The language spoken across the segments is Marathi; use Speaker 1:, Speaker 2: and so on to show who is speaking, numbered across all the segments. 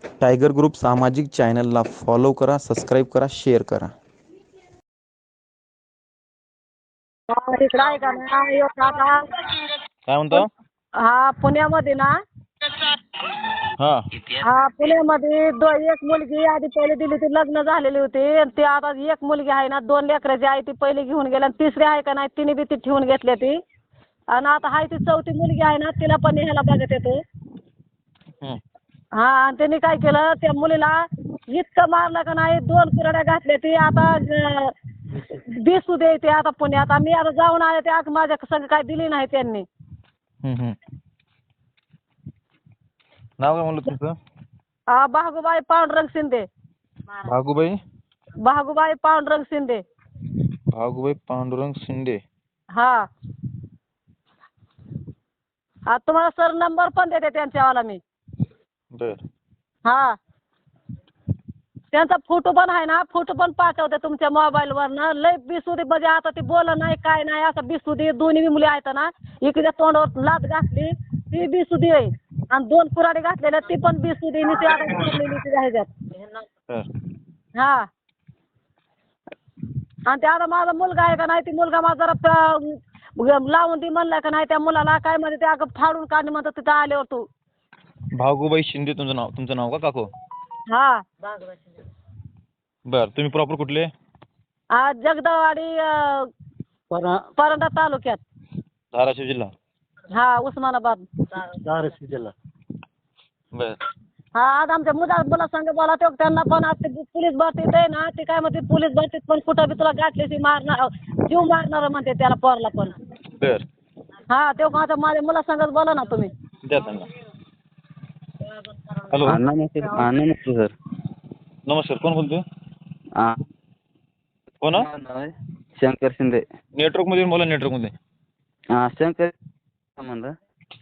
Speaker 1: टायगर ग्रुप सामाजिक चॅनलला फॉलो करा, सबस्क्राईब करा, शेअर करा.
Speaker 2: तिकडं आहे का ना एक आता
Speaker 3: काय म्हणतो?
Speaker 2: हा पुण्यामध्ये ना
Speaker 3: हा
Speaker 2: पुण्यामध्ये एक मुलगी आधी पहिले दिली ती लग्न झालेली होती आणि ती आता एक मुलगी आहे ना 2 लेकराची आहे ती पहिली घेऊन गेली आणि तिसरी आहे का नाही तिने बी ती ठेवून घेतली ती आणि आता आहे ती 4थी मुलगी आहे ना तिला पण ह्याला बघत येतो.
Speaker 3: हं.
Speaker 2: हा आणि त्यांनी काय केलं त्या मुलीला इतकं मारलं का नाही 2 कुऱ्हाड्या घातल्या ती आता दिसू दे ते आता पुण्यात आम्ही आता जाऊन आले ते आज माझ्या संग काय दिली नाही त्यांनी.
Speaker 3: हं. नाव काय म्हणलं तुमचं?
Speaker 2: भागूबाई पांडुरंग शिंदे.
Speaker 3: भागूबाई
Speaker 2: भागूबाई पांडुरंग शिंदे.
Speaker 3: भागूबाई पांडुरंग शिंदे.
Speaker 2: हा तुम्हाला सर नंबर पण देते त्यांच्यावाला मी.
Speaker 3: बर
Speaker 2: हा त्यांचा फोटो पण आहे ना फोटो पण पाठवते तुमच्या मोबाईलवरनं लय बिसुदी म्हणजे आता ती बोला नाही काय नाही असं बिसुदी दोन्ही मुली आहेत ना इकडे तोंडावर लात घातली ती बिसुदी आहे आणि 2 कुऱ्हाडी घातलेल्या ती पण बिसुदी ती आता मारलेली ती ह्याच्यात.
Speaker 3: बर
Speaker 2: हा आणि ते आता माझा मुलगा आहे का नाही ती मुलगा माझा जरा लावून दी म्हणलाय का नाही त्या मुलाला काय म्हणते ते अगं फाडून काढणे म्हणतो तिथं आल्यावर तू.
Speaker 3: भागूबाई शिंदे तुमचं नाव का काकू?
Speaker 2: हा
Speaker 3: बर तुम्ही प्रॉपर कुठले?
Speaker 2: जगदवाडी परंडा तालुक्यात.
Speaker 3: धाराशिव जिल्हा.
Speaker 2: हा उस्मानाबाद.
Speaker 4: धाराशिव जिल्हा.
Speaker 3: बर
Speaker 2: हा आज आमच्या मुला संग बोला तो त्यांना पण आज ते पोलीस भरतीत आहे ना ते काय म्हणते पोलीस भरतीत पण कुठं बी तुला गाठल्याशी मारणार जीव मारणार म्हणते त्याला पोरला पण.
Speaker 3: बर
Speaker 2: हा तो आता माझ्या मुला संगच बोला ना तुम्ही.
Speaker 3: द्या त्यांना. हॅलो
Speaker 4: नमस्ते सर.
Speaker 3: नमस्कार कोण बोलतोय? कोण?
Speaker 4: शंकर शिंदे.
Speaker 3: नेटवर्क मध्ये बोला नेटवर्क मध्ये.
Speaker 4: शंकर म्हणलं.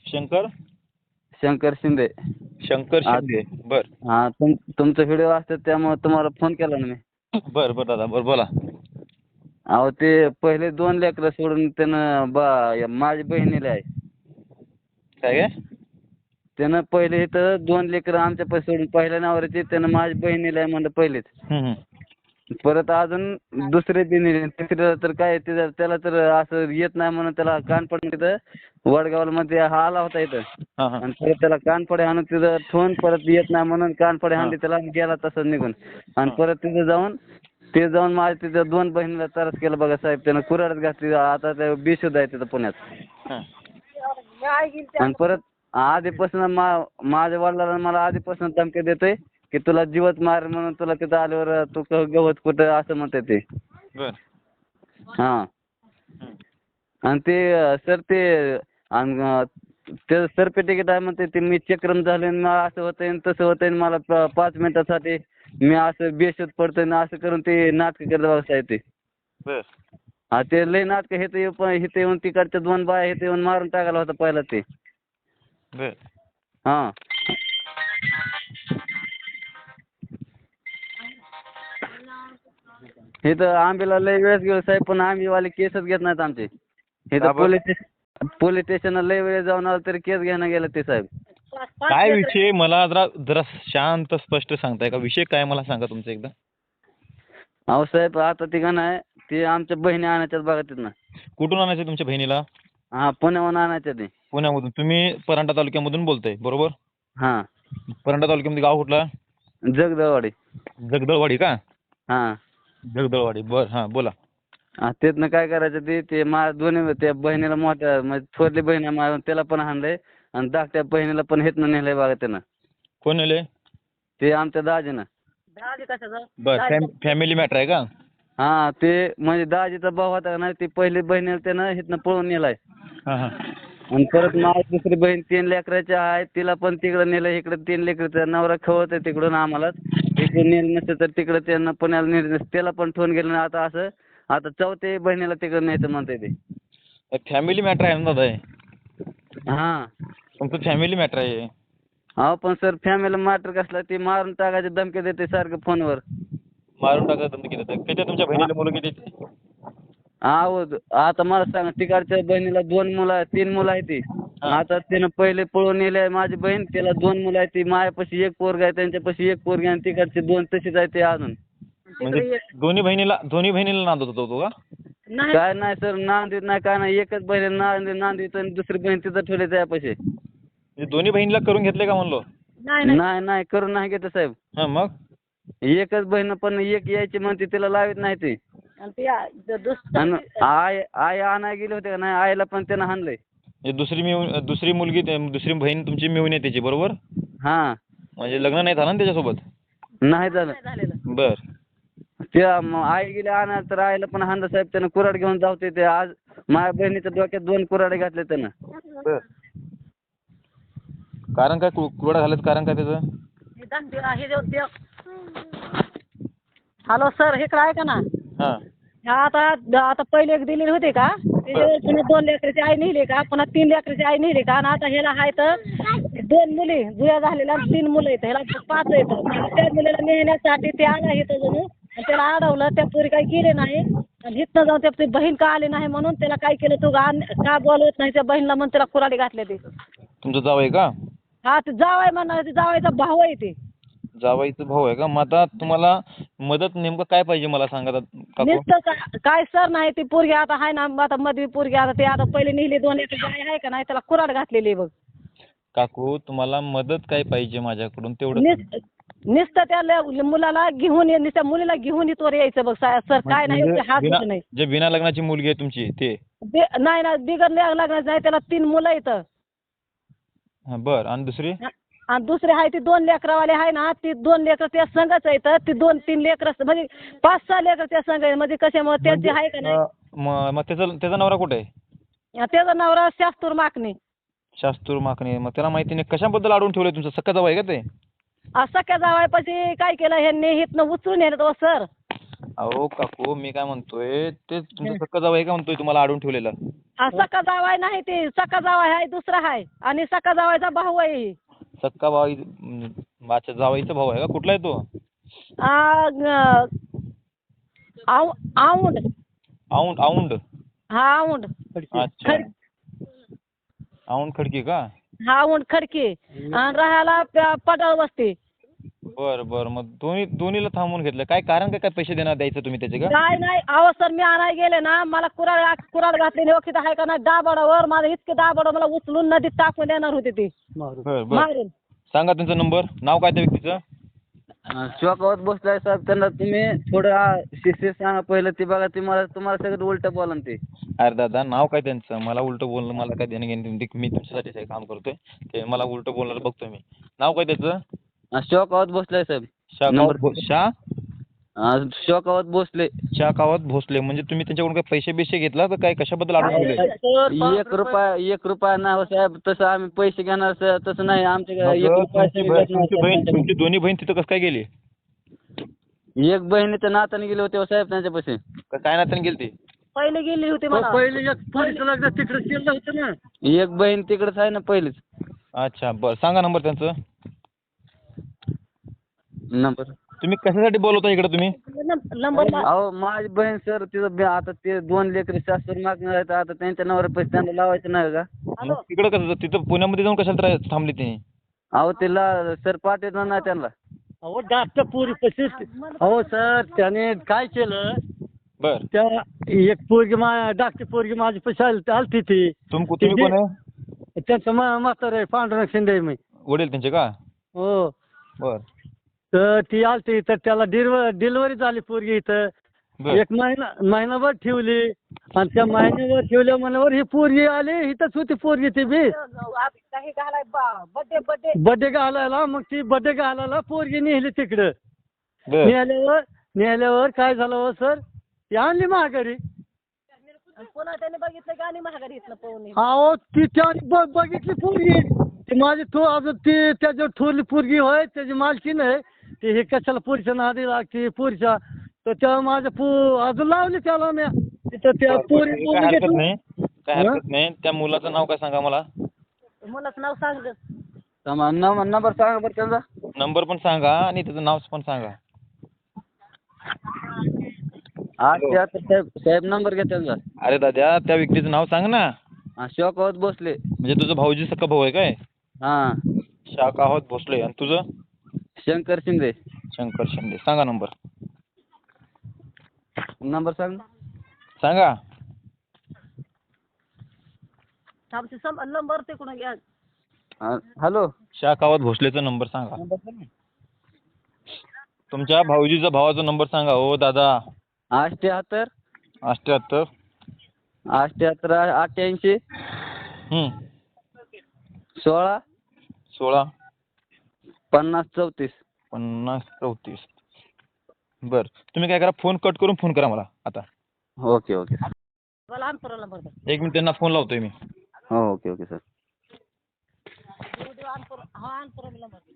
Speaker 4: शंकर शिंदे.
Speaker 3: शंकर शिंदे. बर
Speaker 4: तुमचा व्हिडिओ असतात त्यामुळे तुम्हाला फोन केला ना मी.
Speaker 3: बर दादा बर बोला.
Speaker 4: अहो ते पहिले 2 लेकरं सोडून त्यानं माझ्या बहिणीला आहे.
Speaker 3: काय
Speaker 4: त्यानं पहिले इथं 2 लेकरं आमच्या पैसे सोडून पहिल्या नावावरती त्यानं माझ्या बहिणीला आहे म्हणलं पहिलेच. परत अजून दुसरे बी तिसऱ्याला तर काय त्याला तर असं येत नाही म्हणून त्याला कानपड तिथं वडगावला मध्ये हा आला होता इथं आणि परत त्याला कानपडे आणून तिथं ठेवून परत येत नाही म्हणून कानपडे आणली त्याला गेला तसंच निघून आणि परत तिथं जाऊन माझ्या तिथं 2 बहिणीला त्रास केला बघा साहेब. त्यानं कुऱ्हाडच घातली आता ते बेशुद्ध आहे तिथं पुण्यात. आणि परत आधीपासून माझ्या वडिलांना मला आधीपासून धमकी देतोय की तुला जीवच मार म्हणून तुला तिथं आल्यावर तू गवत कुठं असं म्हणते ते.
Speaker 3: बर
Speaker 4: हा आणि ते सर ते सर्टिफिकेट आहे म्हणते ते मी चक्रम झाले मला असं होतंय तसं होतंय मला 5 मिनिटासाठी मी असं बेशुद्ध पडतोय ना असं करून ते नाटक करत बघायचं ते.
Speaker 3: बर
Speaker 4: हा ते लय नाटक इथं येऊन तिकडच्या 2 बाया इथं येऊन मारून टाकायला होता पहिला ते.
Speaker 3: बर
Speaker 4: हा इथं आंबेला लय वेळेस गेलो साहेब पण आंबेवाले केसच घेत नाहीत आमचे. इथं पोलीस स्टेशनला लय वेळेस जाऊन आलो तरी केस घेणं गेलं ते साहेब.
Speaker 3: काय विषय मला जरा शांत स्पष्ट सांगताय का विषय काय मला सांगा तुमचा एकदा.
Speaker 4: अहो साहेब आता ते का नाही ते आमच्या बहिणी आणायच्यात बघा तिथनं.
Speaker 3: कुठून आणायचं तुमच्या बहिणीला?
Speaker 4: हा पुण्याहून आणायच्या ते.
Speaker 3: पुण्यामधून. तुम्ही परांडा तालुक्यामधून बोलताय बरोबर?
Speaker 4: हा
Speaker 3: परांडा तालुक्यामध्ये गाव कुठला?
Speaker 4: जगदळवाडी.
Speaker 3: जगदळवाडी का?
Speaker 4: हा
Speaker 3: जगदळवाडी बर हा बोला.
Speaker 4: तिथनं काय करायचं ते दोन्ही त्या बहिणीला मोठ्या म्हणजे थोरली बहीण आहे त्याला पण हाणलंय आणि धाकट्या बहिणीला पण हेतनं नेलंय बघा त्यानं.
Speaker 3: कोण नेले?
Speaker 4: ते आमच्या दाजीनं.
Speaker 3: बर फॅमिली मॅटर आहे का?
Speaker 4: हा ते म्हणजे दाजीचा भाऊ होता का नाही ते पहिली बहिणीला त्यानं हिथनं पळून नेलाय. आणि परत माझी दुसरी बहीण 3 लेकराची आहे तिला पण तिकडं नेलं इकडे 3 लेकरं नवरा खवत आहे तिकडून आम्हाला इकडून नेलं नसतं तर तिकडं त्यांना पुण्याला नेलं नसतं त्याला पण ठेवून गेलं आता असं आता 4थ्या बहिणीला तिकडं न्यायचं म्हणते ते.
Speaker 3: फॅमिली मॅटर आहे ना दादा.
Speaker 4: हा
Speaker 3: तुमचं फॅमिली मॅटर आहे.
Speaker 4: अहो पण सर फॅमिली मॅटर कसला ते मारून टाकायची धमकी देते सारखं फोनवर.
Speaker 3: मारून टाकायचं धमकी देतात. किती तुमच्या बहिणीला मुलं किती?
Speaker 4: अहो आता मला सांगा तिकडच्या बहिणीला 2 मुलं 3 मुलं आहेत ती
Speaker 3: हा.
Speaker 4: आता त्यानं पहिले पळून नेले माझी बहीण, त्याला 2 मुलं आहेत, ती माझ्यापाशी एक पोरगा आहे, त्यांच्यापाशी एक पोरगी आणि तिकडचे 2 तशीच आहे ते अजून.
Speaker 3: म्हणजे दोन्ही बहिणीला नांदत होता तो का?
Speaker 2: नाही
Speaker 4: काय नाही सर, नांदीत नाही काय नाही, एकच बहीण नांदीत आणि दुसरी बहीण तिथं ठेवली त्यापाशी.
Speaker 3: म्हणजे दोन्ही बहिणीला करून घेतले का म्हणलो?
Speaker 2: नाही
Speaker 4: नाही नाही करून नाही घेत साहेब.
Speaker 3: हा मग
Speaker 4: एकच बहीण पण एक यायची म्हणते, तिला लावित नाही ते.
Speaker 2: आणि ते
Speaker 4: आणि आई आणाय गेले होते का नाही, आईला पण त्यानं हाणलंय.
Speaker 3: म्हणजे दुसरी मुलगी दुसरी बहीण तुमची मिळून येते त्याची बरोबर?
Speaker 4: हा
Speaker 3: म्हणजे लग्न नाही झालं ना त्याच्यासोबत?
Speaker 4: नाही झालं.
Speaker 2: झालेलं.
Speaker 3: बर.
Speaker 4: त्या आई गेली आणायला तर आईला पण हाणलं साहेब त्यानं, कुऱ्हाड घेऊन जावते ते. आज माझ्या बहिणीच्या डोक्यात 2 कुऱ्हाडे घातले त्यानं.
Speaker 3: बर. कारण काय कुरडा घालायचं कारण काय त्याचं?
Speaker 2: हॅलो सर, हे काय ऐका ना.
Speaker 3: हा.
Speaker 2: ह्या आता पहिले एक दिलेली होते का, त्याच्यावर पुन्हा 2 लेकराची आई नेली का, पुन्हा 3 लेकराची आई नेली का, आणि आता ह्याला आहे तर 2 मुली जुया झालेल्या आणि 3 मुलं येतं, ह्याला 5 येतं. त्या मुलीला नेण्यासाठी ते आला इथं जणू, आणि त्याला अडवलं. त्या पोरी काही गेले नाही, आणि इथनं जाऊन त्या बहीण का आली नाही म्हणून त्याला काय केलं, तू का बोलवत नाही त्या बहिणीला म्हणून त्याला कुऱ्हाडी घातले ते.
Speaker 3: तुमचं जावं आहे का?
Speaker 2: हा ते जावाय म्हणणार, ते जावायचा भाऊ आहे ते.
Speaker 3: जावाईचं भाऊ आहे का? मग आता तुम्हाला मदत नेमकं काय पाहिजे मला सांगा काकू?
Speaker 2: नुसतं काय सर नाही, ती पोरगी आता आहे ना, आता मध्ये पोरगी आता ते आता पहिले नेली 2 लेकरची आई आहे का नाही, त्याला कुऱ्हाड घातलेली आहे बघ.
Speaker 3: काकू तुम्हाला मदत काय पाहिजे माझ्याकडून तेवढं?
Speaker 2: नुसतं त्या मुलाला घेऊन नुसत्या मुलीला घेऊन इथवर यायचं बघ सर, काय नाही एवढे हात होत नाही.
Speaker 3: जे बिना लग्नाची मुलगी आहे तुमची ते?
Speaker 2: नाही ना, बिगर लग्नाचं नाही, त्याला 3 मुलं येतं.
Speaker 3: बर. आणि दुसरी?
Speaker 2: आणि दुसरी आहे ती 2 लेकरावाले आहे ना, ती 2 लेकर त्या संघच येतं, ती 2-3 लेकर म्हणजे 5-6 लेकर त्या संघ आहे. म्हणजे कशामुळे त्याची आहे का नाही.
Speaker 3: मग त्याचा नवरा कुठे आहे?
Speaker 2: त्याचा नवरा शास्तूर माकणे.
Speaker 3: शास्तूर माकणे. मग त्याला माहिती नाही कशाबद्दल अडवून ठेवलंय? तुमचं सख्खा जावं आहे का ते?
Speaker 2: सख्या जावायपाशी काय केलं ह्यांनी, हिथनं उचलून येत हो सर.
Speaker 3: अहो काकू मी काय म्हणतोय, ते तुमचं सख्खा जावं आहे का म्हणतोय तुम्हाला अडवून ठेवलेलं?
Speaker 2: सख्खा जावाय नाही, ते सख्खा जावाय आहे दुसरा आहे, आणि सख्खा जावायचा भाऊ आहे.
Speaker 3: सक्का भाऊ माझ्या जावाईचा भाऊ आहे का? कुठला आहे तो?
Speaker 2: औंड.
Speaker 3: औंड.
Speaker 2: हा औंड.
Speaker 3: अच्छा. औंड खडकी का?
Speaker 2: हा औंड खडकी, आणि राहायला पडाळ वस्ती.
Speaker 3: बर. मग दोन्हीला थांबवून घेतलं काय कारण? काय पैसे देणार द्यायचं तुम्ही त्याचे का?
Speaker 2: काय नाही अहो सर, मी आणाय गेले ना, मला कुराड घातली ओळखीत आहे का नाही, दाबाडावर माझं इतके दाबाड मला उचलून नदीत टाकून देणार होते ते
Speaker 3: बर.
Speaker 2: मारून.
Speaker 3: सांगा त्यांचा नंबर, नाव काय त्या व्यक्तीचं?
Speaker 4: चौकावर बसलाय साहेब, त्यांना तुम्ही थोडं शिस्तीत सांगा पहिलं. ते बघा, तुम्हाला सगळं उलटं बोला ते.
Speaker 3: अरे दादा नाव काय त्यांचं? मला उलटं बोलणं मला काय देणं घेणं नाही. मी तुमच्यासाठीच हे काम करतोय, ते मला उलटं बोलणार बघतोय मी. नाव काय त्याचं?
Speaker 4: चौकावर बसलाय साहेब. शोकावत भोसले.
Speaker 3: शाकावत भोसले. म्हणजे तुम्ही त्यांच्याकडून काय पैसे बिशे घेतला तर काय कशाबद्दल अडवून ठेवले?
Speaker 4: 1 रुपया नाही हो साहेब, तसं आम्ही पैसे घेणार तसं नाही आमच्या 1 रुपया.
Speaker 3: तुमची दोन्ही बहीण तिथं कसं काय गेली?
Speaker 4: एक बहिणीच्या नाताने गेले होते हो साहेब त्यांच्यापाशी.
Speaker 3: काय नात्याने गेली ती?
Speaker 2: पहिले गेली होती मला.
Speaker 4: पहिले एक पोरीचं लग्न तिकडे केलं होतं ना. एक बहीण तिकडेच आहे ना पहिलीच.
Speaker 3: अच्छा बरं. सांगा नंबर त्यांचं.
Speaker 4: नंबर
Speaker 3: तुम्ही कशासाठी बोलवता इकडे तुम्ही?
Speaker 2: नंबर
Speaker 4: अहो माझी बहीण सर, तिथं आता ते 2 लेकरं शास्त्र मागणार आहेत, आता त्यांच्या नवऱ्या पैसे त्यांना लावायचं नाही का?
Speaker 3: मग तिकडं कसं तिथं पुण्यामध्ये जाऊन कशाला थांबली ती?
Speaker 4: अहो तिला सर पाठवणार नाही त्यांना.
Speaker 5: अहो जास्त पोरी पशीच. अहो सर त्याने काय केलं,
Speaker 3: बर.
Speaker 5: त्या एक पोरगी धाकटी पोरगी माझी पैसे आलती ती.
Speaker 3: तुम्ही कोण आहे?
Speaker 5: त्यांचं म्हातारं आहे, पांडुरंग शिंदे आहे मी.
Speaker 3: वडील त्यांचे का?
Speaker 5: हो.
Speaker 3: बर.
Speaker 5: तर ती आलती, तर त्याला डिलिव्हरी झाली पोरगी इथं.
Speaker 3: बर.
Speaker 5: 1 महिनाभर ठेवली, आणि त्या महिन्यावर ठेवल्या म्हणल्यावर ही पोरगी आली, इथंच होती पोरगी ती बी.
Speaker 2: काही घालाय बड्डे
Speaker 5: बड्डे घालायला, मग ती बड्डे घालायला पोरगी नेली तिकडं.
Speaker 3: बर.
Speaker 5: नेल्यावर काय झालं हो सर, ती आणली महागारी.
Speaker 2: पुन्हा त्याने बघितलं की आणि महागारी इथनं पळून
Speaker 5: अहो ती त्या बघितली पोरगी, ती माझी अजून ती त्याच्यावर थोरली पोरगी होय, त्याची मालकी नाही. ती हे कशाला पोरीच्या नादी लागते पोरीच्या, तर त्या माझ्या अजून लावली त्याला मी तिथं त्या पोरी.
Speaker 3: काय हरकत नाही. त्या मुलाचं नाव काय सांगा मला?
Speaker 2: मुलाचं नाव सांग.
Speaker 4: नंबर सांगा बरं त्यांचा.
Speaker 3: नंबर पण सांगा आणि त्याचं नाव पण सांगा.
Speaker 4: साहेब नंबर घ्या त्यांचा.
Speaker 3: अरे दादा त्या व्यक्तीचं नाव सांग ना.
Speaker 4: शौकत भोसले.
Speaker 3: म्हणजे तुझं भाऊजी सक्का भाऊ आहे काय?
Speaker 4: हा.
Speaker 3: शाखावत भोसले. आणि तुझं?
Speaker 4: शंकर शिंदे.
Speaker 3: शंकर शिंदे. सांगा नंबर.
Speaker 4: नंबर सांग.
Speaker 3: सांगा.
Speaker 2: नंबर तिकडून घ्या.
Speaker 4: हॅलो.
Speaker 3: शाखावत भोसलेचा नंबर सांगा. तुमच्या भाऊजीचा भावाचा नंबर सांगा हो दादा.
Speaker 4: 88
Speaker 3: 88
Speaker 4: 88 16
Speaker 3: 16
Speaker 4: 50 34.
Speaker 3: 50 34. बर, तुम्ही काय करा, फोन कट करून फोन करा मला आता.
Speaker 4: Okay okay.
Speaker 2: मला अनपुराला नंबर द्या.
Speaker 3: 1 मिनिट त्यांना फोन लावतोय मी.
Speaker 4: हो ओके ओके सर.
Speaker 2: अनपुराला नंबर द्या.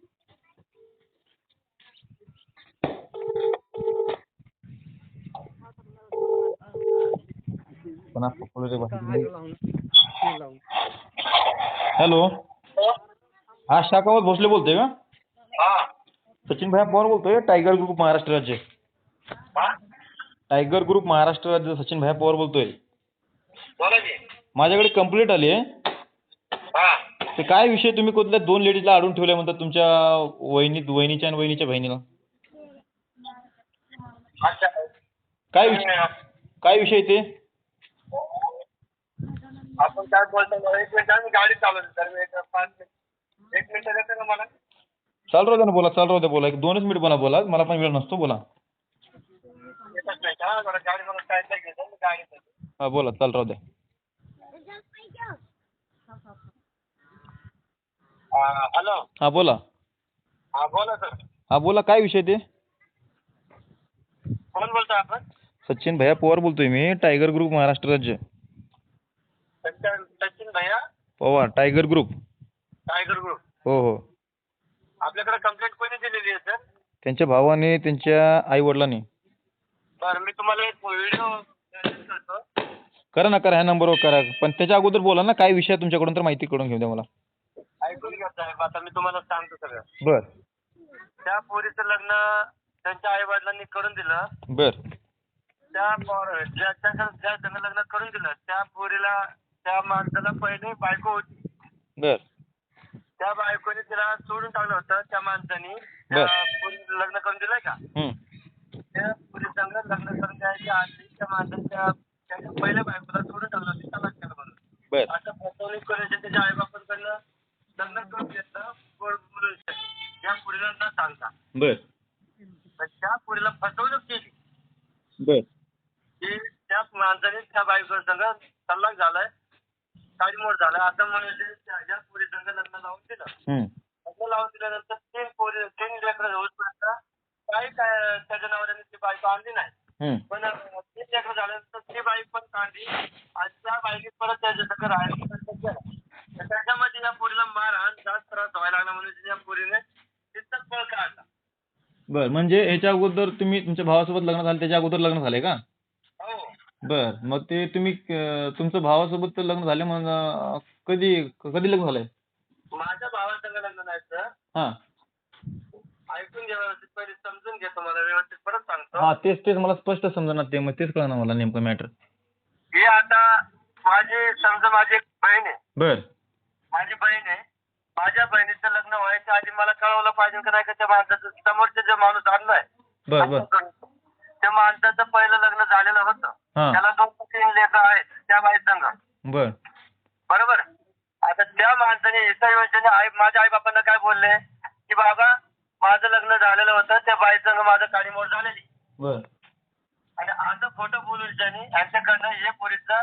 Speaker 3: हॅलो. हा शाखावत भोसले बोलतोय का? सचिन भैया पवार बोलतोय, टायगर ग्रुप महाराष्ट्र राज्य. टायगर ग्रुप महाराष्ट्र राज्य सचिन भैया पवार बोलतोय. माझ्याकडे कंप्लेंट आली आहे. ते काय विषय, तुम्ही कुठल्या 2 लेडीजला अडवून ठेवल्या म्हणतात तुमच्या वहिनीच्या आणि वहिनीच्या बहिणीला. काय विषय ते?
Speaker 6: आपण काय बोलतो, 1 मिनिट आम्ही गाडी चालवतो सर. 1 मिनिट देते ना मला.
Speaker 3: चालू राहू द्या ना, बोला. चालू राहू द्या, बोला. 1-2च मिनिट बोला. मला पण वेळ नसतो, बोला.
Speaker 6: येतच नाही का बरं, गाडी मला काय घेतो मी गाडी.
Speaker 3: हा बोला, चालू राहू द्या.
Speaker 6: हॅलो.
Speaker 3: हा बोला.
Speaker 6: हा बोला सर.
Speaker 3: हा बोला, काय विषय ते?
Speaker 6: कोण बोलतोय आपण?
Speaker 3: सचिन भैया पवार बोलतोय मी, टायगर ग्रुप महाराष्ट्र राज्य.
Speaker 6: सचिन भैया
Speaker 3: Pawar, tiger group.
Speaker 6: Tiger group.
Speaker 3: हो हो.
Speaker 6: आपल्याकडे कंप्लेंट कोणी दिलेली आहे सर?
Speaker 3: त्यांच्या भावाने, त्यांच्या आई वडिलांनी.
Speaker 6: बरं, मी तुम्हाला एक व्हिडिओ करतो.
Speaker 3: करा ना, करा. ह्या नंबरवर करा. पण त्याच्या अगोदर बोला ना, काय विषय तुमच्याकडून, तर माहिती करून घेऊ द्या मला.
Speaker 6: ऐकून घ्या साहेब, आता मी तुम्हाला सांगतो सगळं.
Speaker 3: बर
Speaker 6: त्या पोरीचं लग्न त्यांच्या आई वडिलांनी करून दिलं.
Speaker 3: बर
Speaker 6: ज्या त्यांना लग्न करून दिलं त्या पोरीला, त्या माणसाला पहिले बायको होती.
Speaker 3: बर
Speaker 6: त्या बायकोने तिला सोडून टाकलं होतं. त्या माणसाने त्या पोरीला लग्न करून दिलंय का. त्या पोरी संग लग्न करून द्यायच्या आधी त्या माणसाने त्याच्या पहिल्या बायकोला सोडून टाकलं होतं, तलाक केलं म्हणून.
Speaker 3: बर
Speaker 6: असं फसवणूक करायची त्याच्या आईबापांकडनं लग्न करून घेतलं. गोड बोलून त्या पोरीला न सांगता.
Speaker 3: बर
Speaker 6: तर त्या पोरीला फसवणूक केली.
Speaker 3: बर
Speaker 6: की त्या माणसाने त्या बायको संग तलाक झालाय, काडीमोड झालाय असं म्हणून त्या पोरी संग लग्न लावून दिलं. लग्न लावून दिल्यानंतर 3 लेकरं होईपर्यंत काय त्याच्या नवऱ्याने ती बायको आणली नाही. पण 3 लेकरं झाल्यानंतर ती बाई पण काढली आणि त्या बाईने परत त्याच्या संग राहायला प्रयत्न केला. तर त्याच्यामध्ये या पोरीला मारहाण, जास्त त्रास व्हायला लागला म्हणून या पोरीने तिथंच पळ काढला.
Speaker 3: बर, म्हणजे ह्याच्या अगोदर तुम्ही तुमच्या भावासोबत लग्न झालं, त्याच्या अगोदर लग्न झालंय का?
Speaker 6: हो.
Speaker 3: बर, मग ते तुम्ही तुमचं भावासोबत लग्न झाले, मग कधी लग्न झालंय?
Speaker 6: माझ्या भावासंग लग्न नाही सर.
Speaker 3: हा,
Speaker 6: ऐकून घ्या व्यवस्थित, पहिले समजून घ्या, तुम्हाला व्यवस्थित परत सांगतो.
Speaker 3: हा, तेच मला स्पष्ट समजणार ते, मग तेच कळणार मला नेमकं मॅटर.
Speaker 6: ही आता माझी एक बहीण आहे.
Speaker 3: बर
Speaker 6: माझी बहीण आहे. माझ्या बहिणीचं लग्न व्हायच्या आधी मला कळवलं पाहिजे का नाही, का त्या माणसाचं समोरचे जे माणूस आणलाय
Speaker 3: बर बर
Speaker 6: त्या माणसाचं पहिलं लग्न झालेलं होतं. त्याला 2-3 लेकरं आहेत त्या बाई संग.
Speaker 3: बर
Speaker 6: बरोबर. आता त्या माणसाने एका योजनेने माझ्या आई बापांना काय बोलले की बाबा माझं लग्न झालेलं होतं, त्या बाई संग माझं काडीमोड झालेली.
Speaker 3: बर
Speaker 6: आणि असं खोटं बोलून त्यांनी यांच्याकडनं हे पोरीचं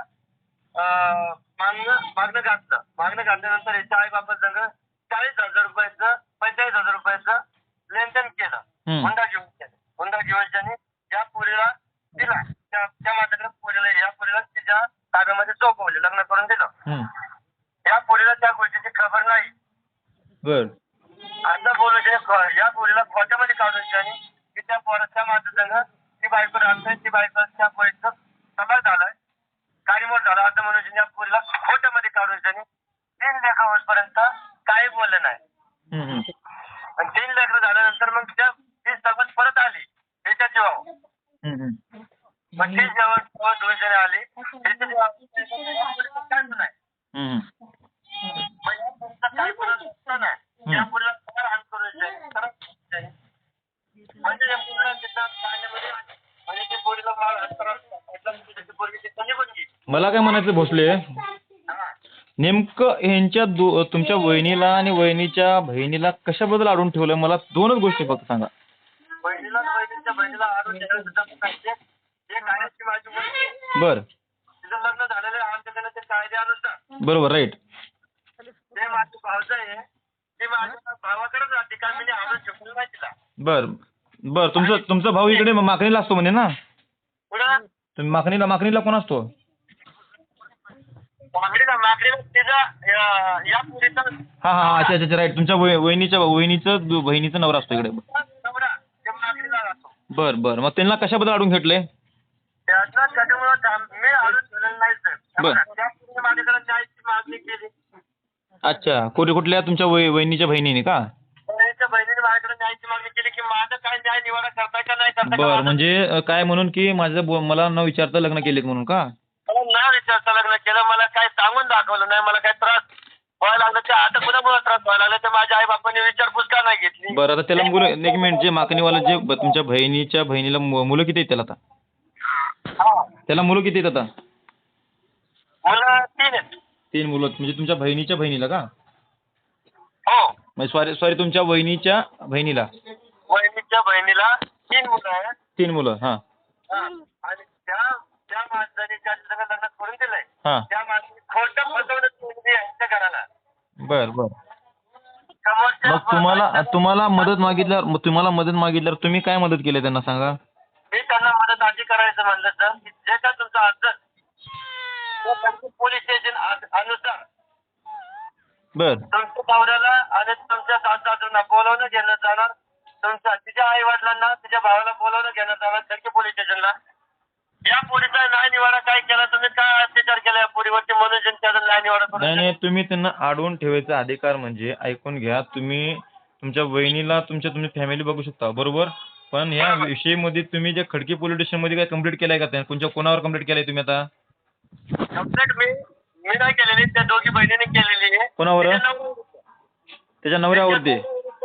Speaker 6: मागणं घातल्यानंतर याच्या आई बापा संग 40,000 रुपयाचं 45,000 रुपयाचं लेनदेन केलं. हुंडा घेऊन त्यांनी या पोरीला दिला. त्या माझ्याकडे पोरीला, या पोरीला तिच्या ताब्यामध्ये सोपवले, लग्न करून दिलं. या पोरीला त्या गोष्टीची खबर नाही.
Speaker 3: बर
Speaker 6: असं बोलून या पोरीला खोट्यामध्ये काढून त्यांनी की त्या पोराच्या माझ्या संग ती बायको राहतोय, ती बायको त्या पोरीचं तलाक झालाय, काडीमोड झाला असं म्हणून या पोरीला खोट्यामध्ये काढून त्यांनी 3 लेकरं होईपर्यंत काही बोलले नाही. आणि 3 लेकरं झाल्यानंतर मग ती सगळं परत आली त्याच्या जीवावर. मग ती जेव्हा 2 जण आली त्याच्या जीवावर काय नाही.
Speaker 3: मला काय म्हणायचं भोसले, नेमकं ह्यांच्या तुमच्या वहिनीला आणि वहिनीच्या बहिणीला कशाबद्दल अडवून ठेवलं, मला दोनच गोष्टी फक्त सांगा.
Speaker 6: बहिणीला आणि वहिनीच्या बहिणीला आणून ठेवण्याचं पाहिजे. एक आहे की माझी मुलगी,
Speaker 3: बर,
Speaker 6: तिचं लग्न झालेलं आहे आमच्याकडे ते कायद्यानुसार.
Speaker 3: बरोबर, राईट.
Speaker 6: ते माझी भावजा आहे, ती माझ्या भावाकडेच राहते, काय मी आणून ठेवलं नाही तिला.
Speaker 3: बर बर, तुमचा भाऊ इकडे माखणीला असतो म्हणे ना,
Speaker 6: पुढं
Speaker 3: तुम्ही माखणीला कोण असतो?
Speaker 6: माकडीला तिचा या पुरीचा
Speaker 3: हा हा, अच्छा अच्छा, राईट. तुमच्या वहिनीचं बहिणीचा नवरा असतो इकडे.
Speaker 6: नवरा ते माकडीला राहतो.
Speaker 3: बर बर, मग त्यांना कशाबद्दल अडवून घेतलंय?
Speaker 6: त्याचा त्याच्यामुळं मी आणून ठेवलेलं नाही सर.
Speaker 3: बर.
Speaker 6: त्या पुरीने माझ्याकडे न्यायची मागणी केली.
Speaker 3: अच्छा, कुठल्या तुमच्या वहिनीच्या बहिणीने का?
Speaker 6: बहिणीच्या बहिणीने माझ्याकडे न्यायची मागणी केली की माझं काय न्याय निवाडा करताय का नाही करताय का?
Speaker 3: बर, म्हणजे काय म्हणून की मला न विचारता लग्न केलेत म्हणून का?
Speaker 6: मला ना विचारता लग्न केलं, मला काय सांगून दाखवलं नाही, मला काय त्रास व्हायला लागला. ते आता कुणामुळे त्रास व्हायला लागला, तर माझ्या आई बापांनी विचारपूस का नाही घेतली.
Speaker 3: बरं, आता त्याला मुलं, एक मिनिट, जे माकणीवाला जे तुमच्या बहिणीच्या बहिणीला मुलं किती आहेत त्याला आता?
Speaker 6: हा.
Speaker 3: त्याला मुलं किती आहेत आता?
Speaker 6: मुलं 3 आहेत.
Speaker 3: 3 मुलं, म्हणजे तुमच्या बहिणीच्या बहिणीला का?
Speaker 6: हो,
Speaker 3: म्हणजे सॉरी तुमच्या वहिनीच्या बहिणीला
Speaker 6: वहिनीच्या बहिणीला 3 मुलं आहेत.
Speaker 3: 3 मुलं, हा
Speaker 6: हा. आणि त्या माणसाने ज्या सगळं लग्न करून दिलंय,
Speaker 3: हा.
Speaker 6: त्या माणसाने खोटं फसवणूक केली आहे यांच्या घराला.
Speaker 3: बर बर.
Speaker 6: समोरच्या
Speaker 3: मग तुम्हाला मदत मागितल्यावर तुम्ही काय मदत केली त्यांना सांगा?
Speaker 6: मी त्यांना मदत आधी करायचं म्हणलं तर की जे काय तुमचं अर्ज पोलीस स्टेशन अनुसार
Speaker 3: बर
Speaker 6: तुमच्या नवऱ्याला आणि तुमच्या सासूला बोलवणं घेणं जाणार, तिच्या आई वडिलांना तिच्या भावाला बोलवणं घेणं जाणार खडकी पोलीस स्टेशनला. या पोलिसांनी न्याय निवाडा काय केला, तुम्ही काय अत्याचार केला या पोरीवरती म्हणून त्याचा न्याय निवाडा करून
Speaker 3: नाही, तुम्ही त्यांना अडवून ठेवायचा अधिकार म्हणजे ऐकून घ्या. तुम्ही तुमच्या वहिनीला तुम्ही फॅमिली बघू शकता, बरोबर, पण या विषयीमध्ये तुम्ही जे खडकी पोलीस स्टेशन मध्ये काय कंप्लीट केलाय का? कोणावर कंप्लीट केलाय तुम्ही आता?
Speaker 6: कंप्लेंट मी नाही केलेली, त्या दोघी बहिणीने केलेली आहे.
Speaker 3: कोणावर? त्याच्या नवऱ्यावरती.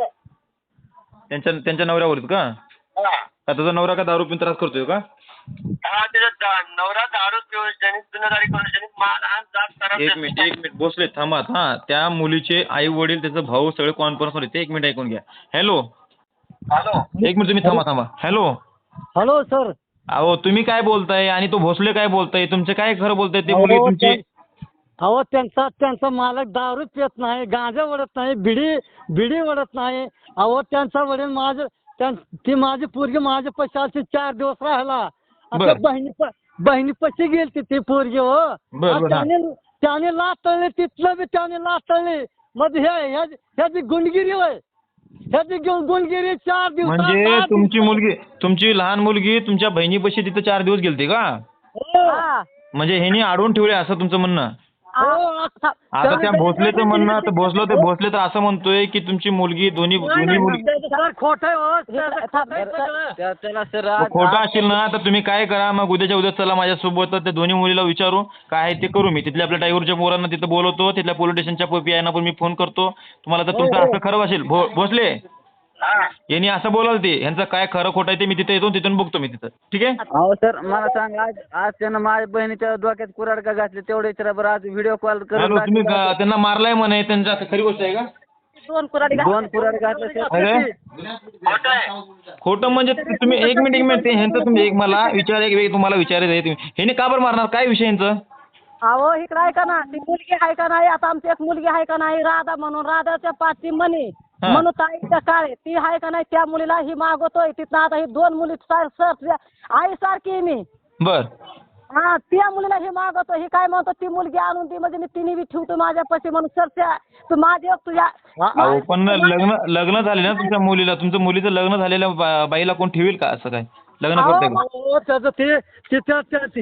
Speaker 3: त्यांच्या नवऱ्यावरती का?
Speaker 6: हा.
Speaker 3: का तुझा नवरा का दारू पिऊन त्रास करतोय का?
Speaker 6: हा, तिचा नवरा दारू पिऊन जनित गुन्हेगारी करून जनित मानहान जात खराब.
Speaker 3: एक मिनिट बसले, थांबा. हा, त्या मुलीचे आई वडील त्याचा भाऊ सगळे कॉन्फरन्स मध्ये. ते 1 मिनिट ऐकून घ्या. हॅलो,
Speaker 6: हॅलो,
Speaker 3: 1 मिनिट तुम्ही थांबा. Hello,
Speaker 5: hello sir.
Speaker 3: अहो तुम्ही काय बोलताय आणि तो भोसले काय बोलताय? तुमचे काय खरं बोलताय? ते मुलगी तुमची.
Speaker 5: अहो त्यांचा मालक दारू पित नाही, गांजा वडत नाही, बिडी वडत नाही. अहो त्यांचा वडील ती माझी पोरगी माझ्या पश्चात 4 दिवस राहिला. आता बहिणी पशी गेलती ती पोरगी. हो, त्याने लाटळले, तिथलं बी त्याने लाटळले. मग ह्याची गुंडगिरी होय, ह्याची गुंडगिरी 4 दिवस.
Speaker 3: म्हणजे तुमची लहान मुलगी तुमच्या बहिणीपाशी तिथे 4 दिवस गेलती का? म्हणजे ह्यांनी अडवून ठेवले असं तुमचं म्हणणं? आता त्या भोसलेचं म्हणणं, तर भोसले तर असं म्हणतोय की तुमची मुलगी दोन्ही मुलगी
Speaker 5: खोटं.
Speaker 3: खोटं असेल ना, तर तुम्ही काय करा, मग उद्या चला माझ्यासोबत, त्या दोन्ही मुलीला विचारू काय आहे ते करू. मी तिथल्या आपल्या टायगरच्या पोरांना तिथं बोलवतो, तिथल्या पोलीस स्टेशनच्या PI पण मी फोन करतो तुम्हाला. तर तुमचं असं खरं असेल भोसले, यांनी असं बोलाल ते, यांचं काय खरं खोटं आहे ते मी तिथे येतो, तिथून बघतो मी तिथं. ठीक आहे?
Speaker 4: अहो सर, मला सांगा, आज त्यानं माझ्या बहिणीच्या डोक्यात कुऱ्हाड का घातली तेवढे विचारा बरं. आज व्हिडिओ कॉल करून
Speaker 3: तुम्ही त्यांना मारलाय म्हणे, त्यांचं असं खरी गोष्ट आहे का?
Speaker 2: 2 कुऱ्हाडी
Speaker 4: 2 कुऱ्हाड घातले सर.
Speaker 3: खोटं म्हणजे तुम्ही 1 मिनिट ते ह्यांचं तुम्ही एक मला तुम्हाला विचारायचं आहे, तुम्ही ह्याने का बरं मारणार? काय विषय यांचं?
Speaker 2: अहो इकडे आहे का ना, ती मुलगी आहे का नाही, आता आमची एक मुलगी आहे का नाही राधा म्हणून, राधाच्या पाठी म्हणे म्हणून ताईच्या काळे ती आहे का नाही, त्या मुलीला ही मागवतोय तिथं. आता ही 2 मुली आई सारखी मी.
Speaker 3: बर.
Speaker 2: हा, त्या मुलीला ही मागवतो, ही काय म्हणतो ती मुलगी आणून ती म्हणजे मी तिने बी ठेवतो माझ्यापाशी म्हणून. सर तू माझी तुझ्या
Speaker 3: पण लग्न झाले ना तुमच्या मुलीला, तुमच्या मुलीचं लग्न झालेल्या बाईला कोण ठेवील का असं काय? लग्न करते का?
Speaker 5: त्याचं ते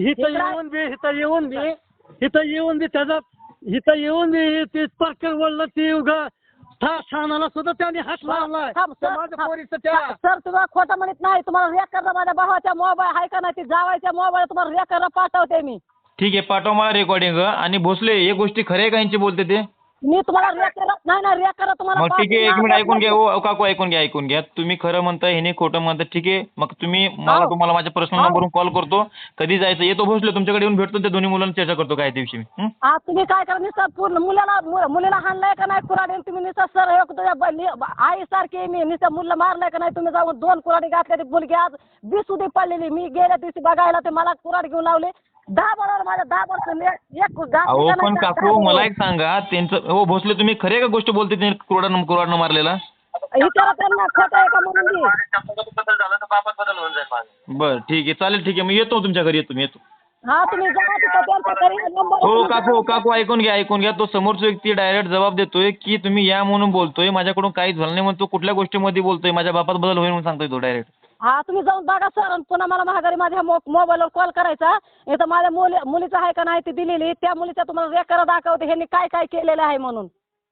Speaker 5: इथं येऊन बी ते पाकर वळलं, ती उगा ठाणाला सुद्धा त्याने हात लावलाय.
Speaker 2: सर तुम्हाला खोटं म्हणत नाही, तुम्हाला रेकॉर्ड माझ्या भावाच्या मोबाईल आहे का नाही, ती जावायच्या मोबाईल तुम्हाला रेकॉर्ड पाठवते मी.
Speaker 3: ठीक आहे, पाठवा मला रेकॉर्डिंग. आणि भोसले, हे गोष्टी खरे का यांची बोलते ते?
Speaker 2: मी तुम्हाला रेकरा तुम्हाला
Speaker 3: मग ठीक आहे, एक
Speaker 2: पाठवून
Speaker 3: मिनिट ऐकून घ्या.
Speaker 2: द्या.
Speaker 3: हो काकू, ऐकून घ्या. तुम्ही खरं म्हणताय, ह्याने खोटं म्हणताय. ठीक आहे, मग तुम्हाला माझ्या पर्सनल नंबरवरून कॉल करतो. कधी जायचं येतो भोसले, तुमच्याकडे येऊन भेटतो. त्या दोन्ही मुलांना चर्चा करतो काय दिवशी मी.
Speaker 2: हा तुम्ही काय करा निसं पूर्ण मुलीला हाणलाय का नाही कुऱ्हाडी तुम्ही निसं सर आई सारखी मी निसं मुलीला मारलाय का नाही तुम्ही जाऊन 2 कुऱ्हाडी घातल्या ती मुलगी आज बिसुदी पडलेली. मी गेल्या दिवशी बघायला ते मला कुऱ्हाडी घेऊन लावले 10 बरोबर माझ्या 10 बरोबर एक
Speaker 3: अहो पण काकू मला एक सांगा, त्यांचं हो भोसले तुम्ही खरे का गोष्ट बोलते, ते कुऱ्हाडनं मारलेला?
Speaker 2: विचारा त्यांना खोटं आहे का म्हणून मी.
Speaker 6: बदल झाला तर बापात बदल होऊन जाईल माझा.
Speaker 3: बरं ठीक आहे, चालेल, ठीक आहे. मी येतो तुमच्या घरी, येतो.
Speaker 2: हा तुम्ही जा तिथं त्यांच्या घरी नंबर
Speaker 3: हो काकू ऐकून घ्या. तो समोरचा व्यक्ती डायरेक्ट जबाब देतोय की तुम्ही या म्हणून बोलतोय, माझ्याकडून काहीच झालं नाही म्हणतो. कुठल्या गोष्टीमध्ये बोलतोय, माझ्या बापात बदल होईल म्हणून सांगतोय तो डायरेक्ट.
Speaker 2: हा तुम्ही जाऊन बघा सर आणि पुन्हा मला महागारी माझ्या मोबाईलवर कॉल करायचा. इथं माझ्या मुलीचं आहे का नाही ती दिलेली, त्या मुलीचा तुम्हाला रेकॉर्ड दाखवते ह्यांनी काय काय केलेलं आहे म्हणून.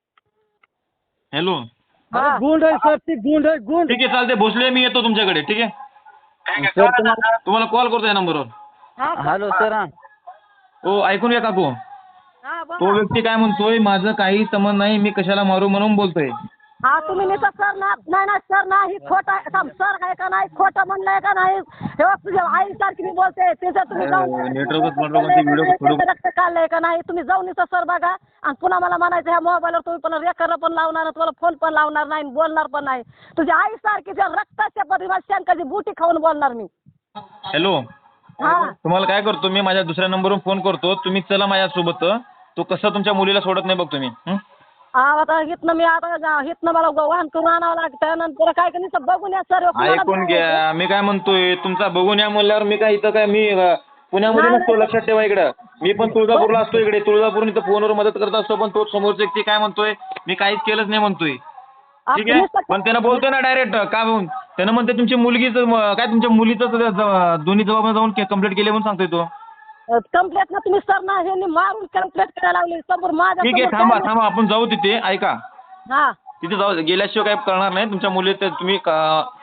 Speaker 3: हॅलो,
Speaker 2: हा
Speaker 5: गुंड आहे सर, ती गुंड आहे गुंड.
Speaker 3: ठीक आहे, चालते भोसले, मी येतो तुमच्याकडे. ठीक आहे,
Speaker 6: ठीक आहे,
Speaker 4: सर
Speaker 6: करा ना सर.
Speaker 3: तुम्हाला कॉल करतो या नंबरवर.
Speaker 2: हा
Speaker 4: हॅलो सर.
Speaker 3: हो ऐकून घ्या काकू.
Speaker 2: हा
Speaker 3: तो
Speaker 2: बघा.
Speaker 3: व्यक्ती काय म्हणतोय, माझं काही संबंध नाही, मी कशाला मारू म्हणून बोलतोय.
Speaker 2: हा तुम्ही निसं सर नाही सर नाही खोटं आहे सर आहे का नाही खोटं म्हणलंय का नाही हे बघ तुझ्या आईसारखी मी बोलते तिचं तुम्ही जाऊन रक्त काढलंय का नाही तुम्ही जाऊन निसं सर बघा आणि पुन्हा मला म्हणायचं ह्या मोबाईलवर तुम्ही पण रेकॉर्ड पण लावणार तुम्हाला फोन पण लावणार नाही बोलणार पण नाही. तुझ्या आईसारखी त्या रक्ताच्या पद्धतीने शंकाची बुटी खाऊन बोलणार मी.
Speaker 3: हॅलो,
Speaker 2: हा
Speaker 3: तुम्हाला काय करतो मी, माझ्या दुसऱ्या नंबरवरून फोन करतो. तुम्ही चला माझ्यासोबत. तो कसं तुमच्या मुलीला सोडत नाही बघ तुम्ही.
Speaker 2: आता हितनं मला वाहन करून आणावं लागतं नंतर काय का नाही बघून या सर
Speaker 3: ऐकून घ्या, मी काय म्हणतोय, तुमचा बघून या म्हणल्यावर मी काय इथं काय मी पुण्यामध्ये नसतो, लक्षात ठेवा. इकडं मी पण तुळजापूरला असतो. इकडे तुळजापूर इथं फोनवर मदत करत असतो. पण तो समोरचा व्यक्ती काय म्हणतोय, मी काहीच केलंच नाही म्हणतोय. ठीक आहे, पण त्यानं बोलतोय ना डायरेक्ट का म्हणून, त्यानं म्हणते तुमची मुलगीच काय तुमच्या मुलीचं दोन्ही जबाब जाऊन कंप्लेंट केली म्हणून सांगतोय तो.
Speaker 2: कंप्लेंट ना तुम्ही सर ना हे मारून कंप्लेंट करायला लावली समोर माझ्या.
Speaker 3: ठीक आहे, थांबा आपण जाऊ तिथे. ऐका,
Speaker 2: हा
Speaker 3: तिथे जाऊ, गेल्याशिवाय काय करणार नाही. तुमच्या मुली तुम्ही